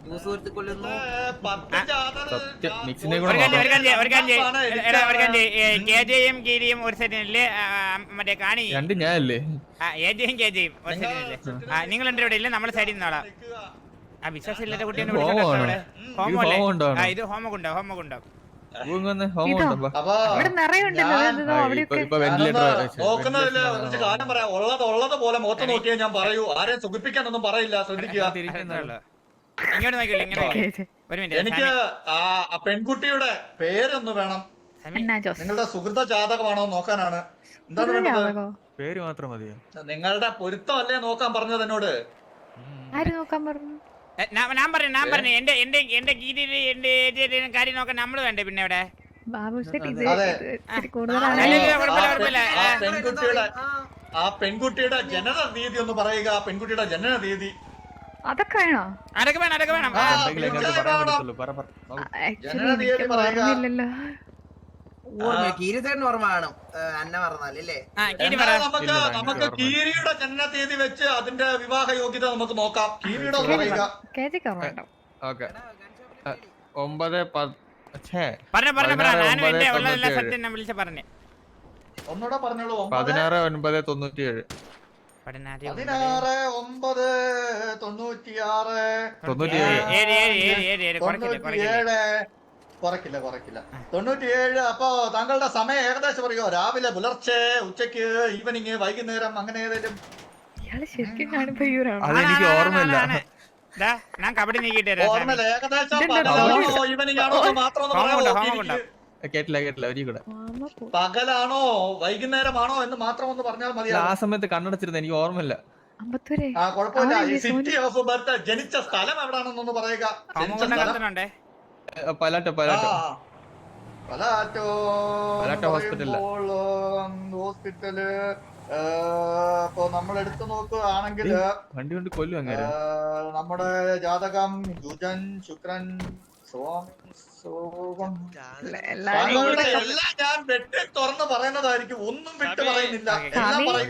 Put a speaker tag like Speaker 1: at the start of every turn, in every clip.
Speaker 1: KJയും ഗീരിയും ഒരു സെറ്റിനല്ലേ മറ്റേ കാണി
Speaker 2: ഞാനല്ലേ
Speaker 1: ഏജയും KJയും ഒരു സെറ്റിനല്ലേ നിങ്ങൾ എന്റെ ഇവിടെ ഇല്ല നമ്മളെ സൈഡിൽ നിന്നോളാം ആ വിശ്വാസം ഇല്ലാത്ത കുട്ടിയെ ഇത് ഹോമകുണ്ടോ
Speaker 3: ഉള്ളത് പോലെ മുഖത്ത് നോക്കിയാൽ ഞാൻ പറയൂ. ആരെയും സുഖിപ്പിക്കാനൊന്നും പറയില്ല, ശ്രദ്ധിക്കുക.
Speaker 1: ഇങ്ങോട്ട് നോക്കില്ല ഇങ്ങനെ ഒരു മിനിറ്റ്.
Speaker 3: എനിക്ക് ആ പെൺകുട്ടിയുടെ പേരൊന്ന് വേണം. നിങ്ങളുടെ സുഹൃത ജാതകമാണോ നോക്കാനാണ്. എന്താണ് വേണ്ടത്?
Speaker 2: പേര് മാത്രം മതിയോ?
Speaker 3: നിങ്ങളുടെ പൊരുത്തം അല്ലേ നോക്കാൻ പറഞ്ഞത് എന്നോട്?
Speaker 1: ഞാൻ പറഞ്ഞു എന്റെ ഗീതിയില് എന്റെ ഏരിയയിലും കാര്യം നോക്കാൻ നമ്മള് വേണ്ടേ പിന്നെ ഇവിടെ
Speaker 3: ആ പെൺകുട്ടിയുടെ ജനന തീയതി ഒന്ന് പറയുക. പെൺകുട്ടിയുടെ ജനന തീയതി
Speaker 4: അതൊക്കെ വേണോ?
Speaker 1: അതൊക്കെ വേണം
Speaker 3: ജനന തീയതി പറയുക. നമുക്ക് കീരിയുടെ ജനന തീയതി വെച്ച് അതിന്റെ വിവാഹ യോഗ്യത നമുക്ക് നോക്കാം. കീരിയുടെ പറയുക. ഒന്നുകൂടെ പറഞ്ഞോളൂ.
Speaker 2: 16/9/97.
Speaker 3: 97. 97. അപ്പൊ താങ്കളുടെ സമയം ഏകദേശം പറയോ? രാവിലെ, പുലർച്ചെ, ഉച്ചക്ക്, ഈവനിങ്, വൈകുന്നേരം, അങ്ങനെ ഏതെങ്കിലും?
Speaker 2: അതെനിക്ക് ഓർമ്മയില്ല.
Speaker 1: ഞാൻ കബഡി നീക്കിട്ട്
Speaker 3: ഓർമ്മയില്ല. ഏകദേശം ഈവനിങ് ആണോ മാത്രം
Speaker 2: കേട്ടില്ല.
Speaker 3: പകലാണോ വൈകുന്നേരമാണോ എന്ന് മാത്രം ഒന്ന് പറഞ്ഞാൽ മതി.
Speaker 2: ആ സമയത്ത് കണ്ണടച്ചിരുന്നു, എനിക്ക് ഓർമ്മയില്ല.
Speaker 3: കുഴപ്പമില്ല. സിറ്റി ഓഫ് ബർത്ത്, ജനിച്ച സ്ഥലം എവിടാണെന്നൊന്ന് പറയുക.
Speaker 2: പലാറ്റോ ഹോസ്പിറ്റല്.
Speaker 3: ഇപ്പൊ നമ്മൾ എടുത്തു നോക്കുകയാണെങ്കിൽ
Speaker 2: വണ്ടി കൊണ്ട് കൊല്ലും അങ്ങനെ.
Speaker 3: നമ്മുടെ ജാതകം ബുധൻ, ശുക്രൻ, എല്ലാം ഞാൻ വെട്ടി തുറന്ന് പറയുന്നതായിരിക്കും. ഒന്നും വിട്ട് പറയുന്നില്ല. എല്ലാം പറയുക.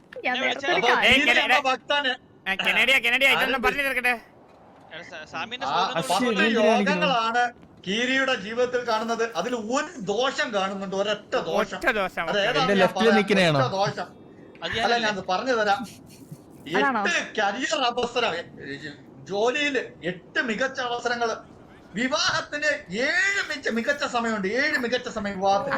Speaker 3: യോഗങ്ങളാണ് കീരിയുടെ ജീവിതത്തിൽ കാണുന്നത്. അതിൽ ഒരു ദോഷം കാണുന്നുണ്ട്, ഒരൊറ്റ ദോഷം. ദോഷം അല്ല, ഞാൻ പറഞ്ഞു തരാം. 8 കരിയർ അവസരം, ജോലിയില് 8 മികച്ച അവസരങ്ങൾ, വിവാഹത്തിന് 7 മികച്ച സമയമുണ്ട്. 7 മികച്ച സമയം വിവാഹത്തിന്.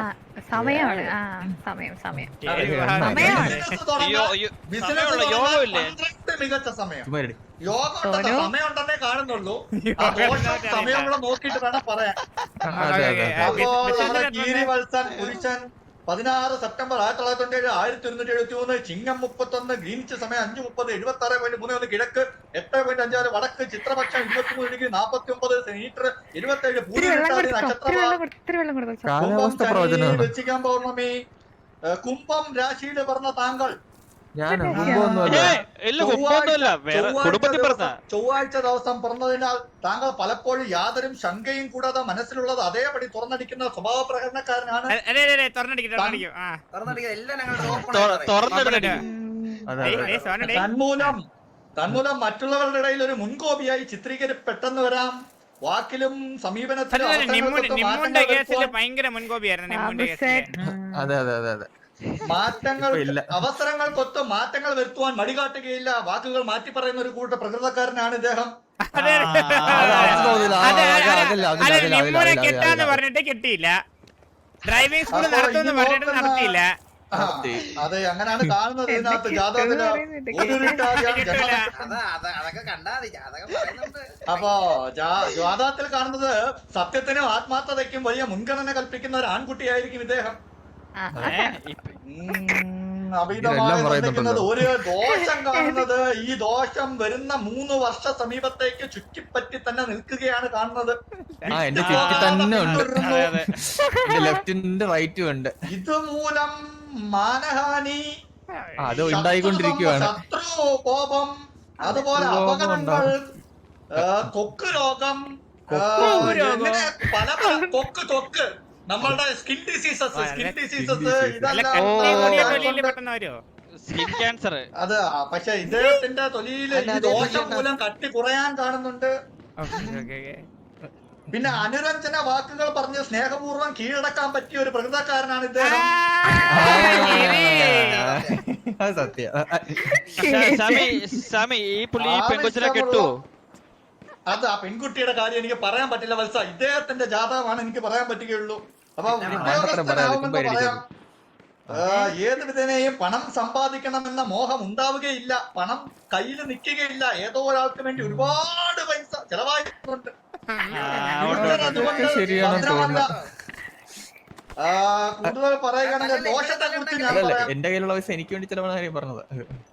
Speaker 3: മികച്ച സമയം. യോഗം സമയം ഉണ്ടെന്നേ കാണുന്നുള്ളൂ. ആ ദോഷം സമയം കൂടെ നോക്കിയിട്ട് വേണം പറയാൻ. അപ്പോ നമ്മുടെ കീരി വത്സൻ പുരുഷൻ 16 സെപ്റ്റംബർ 1997, 1173, ചിങ്ങം 31, ഗ്രീനിച്ച് സമയം 5:30, 76.31 കിഴക്ക്, 8.56 വടക്ക്, ചിത്രപക്ഷം 23 49 മീറ്റർ, 27 പൂരിട്ടാതി നക്ഷത്രം, വൃശ്ചികം പൗർണമി, കുംഭം രാശിയിൽ പറഞ്ഞ താങ്കൾ ചൊവ്വാഴ്ച ദിവസം പിറന്നതിനാൽ താങ്കൾ പലപ്പോഴും യാതൊരു ശങ്കയും കൂടാതെ മനസ്സിലുള്ളത് അതേപടി തുറന്നടിക്കുന്ന സ്വഭാവ പ്രകടനക്കാരനാണ്. തന്മൂലം മറ്റുള്ളവരുടെ ഇടയിൽ ഒരു മുൻകോപിയായി ചിത്രീകരിപ്പെട്ടെന്ന് വരാം. വാക്കിലും സമീപനത്തിലും അവസരങ്ങൾക്കൊത്ത് മാറ്റങ്ങൾ വരുത്തുവാൻ മടികാട്ടുകയില്ല. വാക്കുകൾ മാറ്റി പറയുന്ന ഒരു കൂട്ട പ്രകൃതക്കാരനാണ് ഇദ്ദേഹം.
Speaker 1: കെട്ടാന്ന് പറഞ്ഞിട്ട് കെട്ടിയില്ല, ഡ്രൈവിംഗ് സ്കൂൾ നടത്തുമെന്ന് പറഞ്ഞിട്ട് നടത്തിയില്ല.
Speaker 3: അതെ, അങ്ങനെയാണ് കാണുന്നത് ഇതിനകത്ത്. ജാതകത്തിന് അപ്പൊ ജാതകത്തിൽ കാണുന്നത് സത്യത്തിനും ആത്മാർത്ഥതയ്ക്കും വലിയ മുൻഗണന കൽപ്പിക്കുന്ന ഒരു ആൺകുട്ടിയായിരിക്കും ഇദ്ദേഹം. ഒരു ദോഷം കാണുന്നത്, ഈ ദോഷം വരുന്ന 3 വർഷ സമീപത്തേക്ക് ചുറ്റിപ്പറ്റി തന്നെ നിൽക്കുകയാണ് കാണുന്നത്. ഇതുമൂലം മാനഹാനി, ശത്രു കോപം, അതുപോലെ അപകടങ്ങൾ, കൊക്ക് രോഗം, പല കൊക്ക് നമ്മളുടെ സ്കിൻ ഡിസീസസ് അതെ. പക്ഷെ ഇദ്ദേഹത്തിന്റെ തൊലിയില് ഈ ദോഷം മൂലം കട്ടി കുറയാൻ കാണുന്നുണ്ട്. പിന്നെ അനുരഞ്ജന വാക്കുകൾ പറഞ്ഞ് സ്നേഹപൂർവ്വം കീഴടക്കാൻ പറ്റിയ ഒരു പ്രകൃതക്കാരനാണ് ഇദ്ദേഹം.
Speaker 2: സത്യം.
Speaker 3: അത് ആ പെൺകുട്ടിയുടെ കാര്യം എനിക്ക് പറയാൻ പറ്റില്ല വത്സ. ഇദ്ദേഹത്തിന്റെ ജാതകമാണ് എനിക്ക് പറയാൻ പറ്റുകയുള്ളൂ. അപ്പൊ ഉദ്യോഗസ്ഥനാവുമെന്ന് പറയാം. ഏത് വിധേനയും പണം സമ്പാദിക്കണമെന്ന മോഹം ഉണ്ടാവുകയില്ല. പണം കയ്യിൽ നിൽക്കുകയില്ല. ഏതോ ഒരാൾക്ക് വേണ്ടി ഒരുപാട് പൈസ ചെലവായിട്ടുണ്ട്. കൂടുതൽ പറയുകയാണെങ്കിൽ ദോഷത്തെ കുറിച്ച് ഞാൻ പറയാം.
Speaker 2: എന്റെ കയ്യിലുള്ള പൈസ എനിക്ക് വേണ്ടി ചെലവാണ് കാര്യം പറഞ്ഞത്.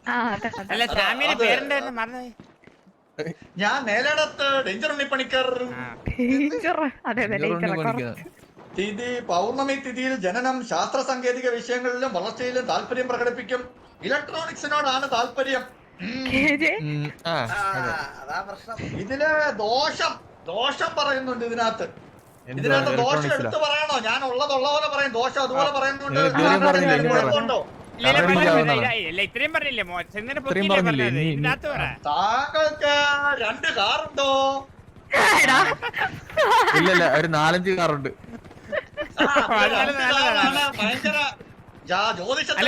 Speaker 3: ഞാൻ മേലേടത്ത് ഡേഞ്ചർ ഉണ്ണിപ്പണിക്കർ. തിഥി പൗർണമി തിഥിയിൽ ജനനം. ശാസ്ത്ര സാങ്കേതിക വിഷയങ്ങളിലും വളർച്ചയിലും താല്പര്യം പ്രകടിപ്പിക്കും. ഇലക്ട്രോണിക്സിനോടാണ് താല്പര്യം. ഇതില് ദോഷം പറയുന്നുണ്ട്. ഇതിനകത്ത് ദോഷം എടുത്ത് പറയണോ? ഞാൻ ഉള്ള പോലെ പറയും. ദോഷം അതുപോലെ പറയുന്നുണ്ട്.
Speaker 1: ഇത്രയും പറഞ്ഞില്ലേ?
Speaker 3: താങ്കൾക്ക് 2 കാറുണ്ടോ?
Speaker 2: ഇല്ലല്ല, ഒരു 4-5 കാറുണ്ട്.
Speaker 3: ഭയങ്കര ജ്യോതിഷത്തിൽ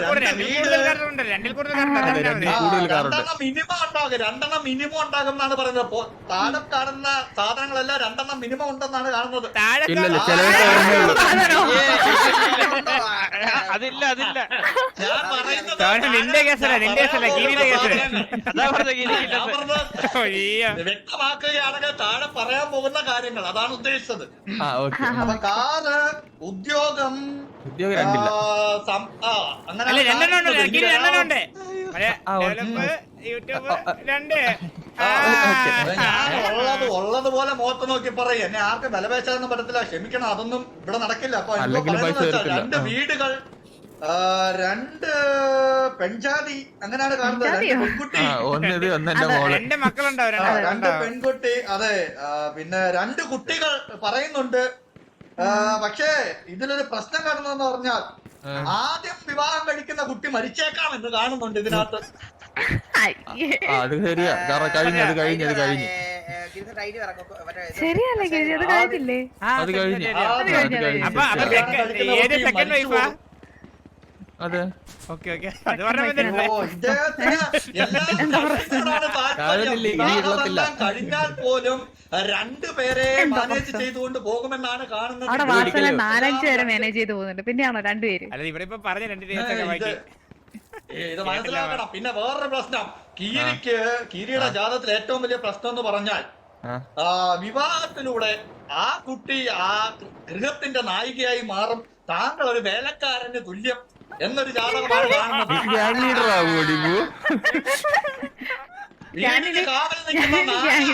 Speaker 3: രണ്ടെണ്ണം മിനിമം ഉണ്ടാകും എന്നാണ് പറയുന്നത്. താഴെ കാണുന്ന സാധനങ്ങളെല്ലാം 2 മിനിമം ഉണ്ടെന്നാണ് കാണുന്നത്.
Speaker 4: അതില്ല
Speaker 3: ഞാൻ പറയുന്നത് വ്യക്തമാക്കുകയാണെങ്കിൽ താഴെ പറയാൻ പോകുന്ന കാര്യങ്ങൾ അതാണ് ഉദ്ദേശിച്ചത്. അപ്പൊ കാറ്, ഉദ്യോഗം, ഉള്ളതുപോലെ മുഖത്ത് നോക്കി പറയും. എന്നെ ആർക്കും വിലപേശാനൊന്നും പറ്റത്തില്ല, ക്ഷമിക്കണം, അതൊന്നും ഇവിടെ നടക്കില്ല. അപ്പൊ 2 വീടുകൾ, 2 പെൺജാതി, അങ്ങനെയാണ് കാണുന്നത്. 2 പെൺകുട്ടി, 2 പെൺകുട്ടി, അതെ. പിന്നെ 2 കുട്ടികൾ പറയുന്നുണ്ട്. പക്ഷേ ഇതിലൊരു പ്രശ്നം കാണുന്നതെന്ന് പറഞ്ഞാൽ ആദ്യം വിവാഹം കഴിക്കുന്ന കുട്ടി മരിച്ചേക്കാം എന്ന് കാണുന്നുണ്ട് ഇതിനകത്ത്.
Speaker 2: അത് ശരിയാ, കഴിഞ്ഞത് കഴിഞ്ഞു. അതെ,
Speaker 3: കഴിഞ്ഞാൽ പോലും 2 പേരെ മാനേജ് ചെയ്തുകൊണ്ട് പോകുമെന്നാണ് കാണുന്നത്.
Speaker 5: 4-5 പേരെ മാനേജ് ചെയ്ത് പോകുന്നുണ്ട്. പിന്നെയാണോ 2 പേര്?
Speaker 3: ഇത് മനസ്സിലാക്കണം. പിന്നെ വേറൊരു പ്രശ്നം, കീരിയുടെ ജാതകത്തിൽ ഏറ്റവും വലിയ പ്രശ്നം എന്ന് പറഞ്ഞാൽ വിവാഹത്തിലൂടെ ആ കുട്ടി ആ ഗൃഹത്തിന്റെ നായികയായി മാറും. താങ്കൾ ഒരു വേലക്കാരന് തുല്യം എന്നൊരു ജാതകമാണ് കാണുന്നത്. കാവൽ നിൽക്കുന്ന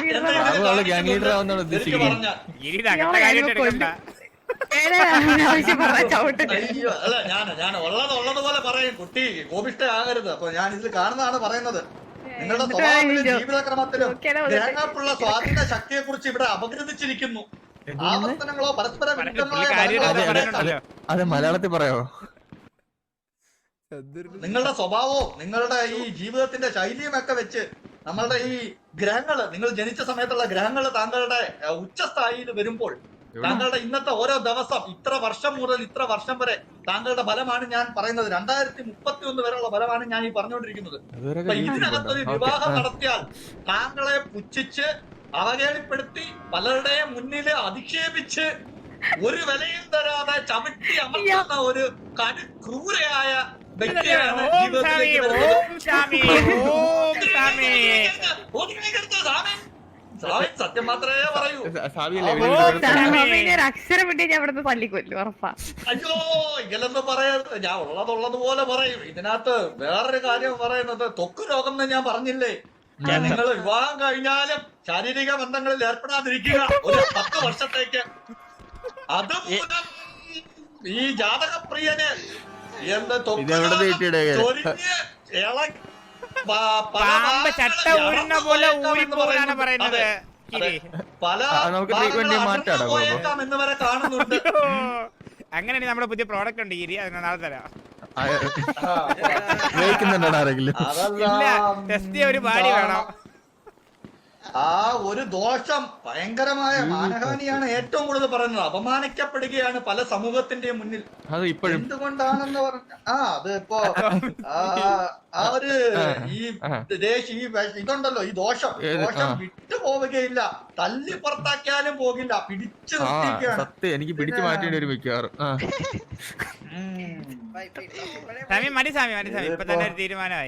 Speaker 3: ഞാൻ ഉള്ളതുപോലെ പറയും. കുട്ടി കോപിഷ്ടയാകരുത്. അപ്പൊ ഞാൻ ഇതിൽ കാണുന്നതാണ് പറയുന്നത്. നിങ്ങളുടെ സ്വഭാവത്തിലും ജീവിതക്രമത്തിലും ഗ്രഹങ്ങൾക്കുള്ള സ്വാധീന ശക്തിയെ കുറിച്ച് ഇവിടെ അപഗ്രഥിച്ചിരിക്കുന്നു. ആവർത്തനങ്ങളോ പരസ്പര വിരുദ്ധങ്ങളോ
Speaker 2: അത് മലയാളത്തിൽ പറയാമോ?
Speaker 3: നിങ്ങളുടെ സ്വഭാവവും നിങ്ങളുടെ ഈ ജീവിതത്തിന്റെ ശൈലിയും ഒക്കെ വെച്ച് നമ്മളുടെ ഈ ഗ്രഹങ്ങള്, നിങ്ങൾ ജനിച്ച സമയത്തുള്ള ഗ്രഹങ്ങള് താങ്കളുടെ ഉച്ചസ്ഥായിയിൽ വരുമ്പോൾ താങ്കളുടെ ഇന്നത്തെ ഓരോ ദിവസം, ഇത്ര വർഷം മുതൽ ഇത്ര വർഷം വരെ താങ്കളുടെ ഫലമാണ് ഞാൻ പറയുന്നത്. 2031 വരെയുള്ള ഫലമാണ് ഞാൻ ഈ പറഞ്ഞുകൊണ്ടിരിക്കുന്നത്. അപ്പൊ ഇതിനകത്തൊരു വിവാഹം നടത്തിയാൽ താങ്കളെ പുച്ഛിച്ച് അവഹേളിപ്പെടുത്തി പലരുടെയും മുന്നിൽ അധിക്ഷേപിച്ച് ഒരു വിലയും തരാതെ ചവിട്ടി അമർത്തുന്ന ഒരു ക്രൂരയായ വ്യക്തിയാണ് ജീവിതത്തിലേക്ക് സത്യം മാത്രമേ പറയൂ.
Speaker 5: അക്ഷരം വിട്ട് ഞാൻ ഇവിടുന്ന് തല്ലിക്കൊല്ലു, ഉറപ്പാ.
Speaker 3: അയ്യോ, ഇങ്ങനൊന്നും പറയരുത്. ഞാൻ ഉള്ളതുപോലെ പറയും. ഇതിനകത്ത് വേറൊരു കാര്യം പറയുന്നത്, ത്വക്ക് രോഗം എന്ന് ഞാൻ പറഞ്ഞില്ലേ. നിങ്ങൾ വിവാഹം കഴിഞ്ഞാലും ശാരീരിക ബന്ധങ്ങളിൽ ഏർപ്പെടാതിരിക്കുക ഒരു 10 വർഷത്തേക്ക്. അതുമൂലം ഈ ജാതകപ്രിയന് എന്ത് എന്ന് വരെ കാണുന്നുണ്ട്.
Speaker 1: അങ്ങനെയാണെങ്കിൽ നമ്മുടെ പുതിയ പ്രോഡക്റ്റ് ഉണ്ട് ഗിരി, അതിന് നാളെ തരാം.
Speaker 2: ആരെങ്കിലും
Speaker 1: ടെസ്റ്റ് ചെയ്യാൻ ഒരു ബാഡി വേണം.
Speaker 3: ആ ഒരു ദോഷം ഭയങ്കരമായ മാനഹാനിയാണ് ഏറ്റവും കൂടുതൽ പറയുന്നത്. അപമാനിക്കപ്പെടുകയാണ് പല സമൂഹത്തിന്റെയും മുന്നിൽ.
Speaker 2: അത് ഇപ്പോഴും
Speaker 3: എന്തുകൊണ്ടാണെന്ന് പറഞ്ഞ അത് ഇപ്പോ ആ ഒരു ഈ ഇതുണ്ടല്ലോ, ഈ ദോഷം വിട്ടു പോവുകയില്ല. തല്ലി പുറത്താക്കിയാലും പോകില്ല, പിടിച്ചു നിർത്തിയിരിക്കുകയാണ്.
Speaker 2: സത്യം എനിക്ക് പിടിച്ചു മാറ്റേണ്ടി വരും മിക്കവാറും.
Speaker 1: സ്വാമി മതി സ്വാമി മതി സ്വാമി, ഇപ്പൊ തന്നെ ഒരു തീരുമാനമായി.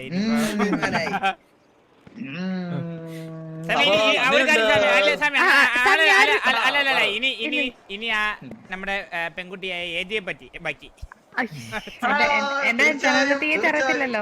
Speaker 1: അല്ലല്ല ഇനി ആ നമ്മുടെ പെൺകുട്ടിയായ ഏജിയെ പറ്റി ബാക്കി
Speaker 5: എന്റെ ജനനതീയതി അറിയത്തില്ലല്ലോ.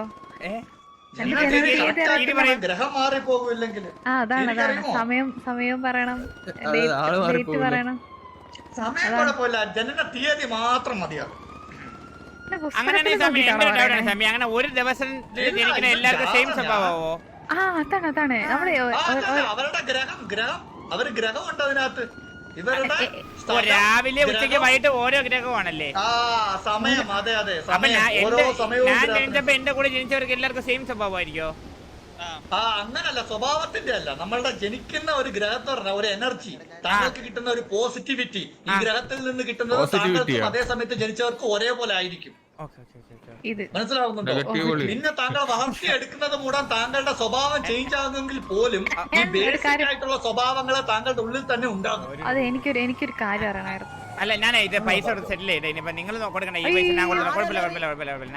Speaker 3: ഗ്രഹം മാറിപ്പോകില്ലെങ്കിൽ
Speaker 5: അതാണ് സമയം പറയണം, ഡേറ്റ് പറയണം.
Speaker 3: സമയം കുഴപ്പമില്ല, ജനന തീയതി മാത്രം മതിയാകും.
Speaker 1: അങ്ങനെയാണെങ്കിൽ സ്വാമി എന്റെ ഒരു ഡൗട്ടാണ് സ്വാമി, അങ്ങനെ ഒരു ദിവസം ജനിക്കുന്ന എല്ലാവർക്കും സെയിം സ്വഭാവമോ?
Speaker 5: അതാണ്
Speaker 3: അവരുടെ ഗ്രഹം അവര് ഗ്രഹമുണ്ട് അതിനകത്ത്. ഇവരുടെ
Speaker 1: രാവിലെ ഉച്ചയ്ക്ക് വൈകിട്ട് ഓരോ ഗ്രഹമാണല്ലേ?
Speaker 3: സമയം, അതെ അതെ.
Speaker 1: അപ്പൊ ഞാൻ ജനിച്ചപ്പോ എന്റെ കൂടെ ജനിച്ചവർക്ക് എല്ലാവർക്കും സെയിം സ്വഭാവമായിരിക്കോ?
Speaker 3: അങ്ങനല്ല, സ്വഭാവത്തിന്റെ അല്ല, നമ്മളുടെ ജനിക്കുന്ന ഒരു ഗ്രഹത്തെ പറഞ്ഞ ഒരു എനർജി, താങ്കൾക്ക് കിട്ടുന്ന ഒരു പോസിറ്റിവിറ്റി ഈ ഗ്രഹത്തിൽ നിന്ന് കിട്ടുന്നത് താങ്കൾക്കും അതേ സമയത്ത് ജനിച്ചവർക്ക് ഒരേപോലെ ആയിരിക്കും. മനസ്സിലാവുന്നുണ്ടോ? പിന്നെ താങ്കൾ വളർത്തിയെടുക്കുന്നത് മൂലം താങ്കളുടെ സ്വഭാവം ചേഞ്ച് ആകുന്നെങ്കിൽ പോലും ഈ ബേസിക് ആയിട്ടുള്ള സ്വഭാവങ്ങൾ താങ്കളുടെ ഉള്ളിൽ തന്നെ ഉണ്ടാകും.
Speaker 5: അതെ, എനിക്കൊരു കാര്യം അറിയണമായിരുന്നു.
Speaker 1: അല്ല, ഞാൻ ഇത് പൈസ സെറ്റിൽ ചെയ്തേ, ഇനിയിപ്പോ നിങ്ങൾ കൊടുക്കണേ ഈ പൈസ ഞാൻ കൊടുക്കണം. കുഴപ്പമില്ല.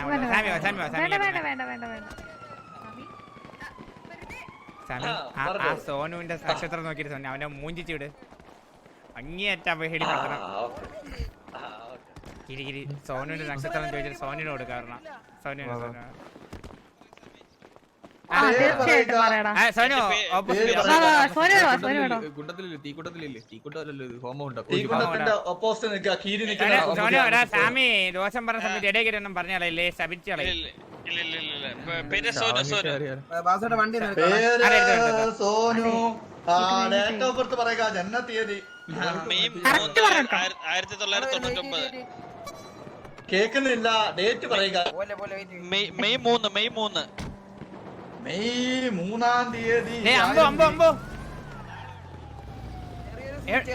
Speaker 1: ആ സോനുവിന്റെ നക്ഷത്രം നോക്കിയിട്ട് സോനു അവനെ മൂഞ്ചിച്ചിട് അങ്ങേയറ്റ പേടിപ്പെടുത്തണം. കിരി സോനുവിന്റെ നക്ഷത്രം ചോദിച്ചിട്ട് സോനിന് കൊടുക്കാരണം. സാമി ദോഷം പറഞ്ഞ സമയത്ത് ഇടയിൽ ഒന്നും പറഞ്ഞാലേ ശപിച്ചളേ.
Speaker 3: സോനു ഡേറ്റ് ഓഫ് ബർത്ത് പറയുക, ജനന തീയതി.
Speaker 4: 1999.
Speaker 3: കേൾക്കുന്നില്ല, ഡേറ്റ് പറയുക.
Speaker 4: മെയ് 3.
Speaker 3: മെയ് 3-ാം തീയതി.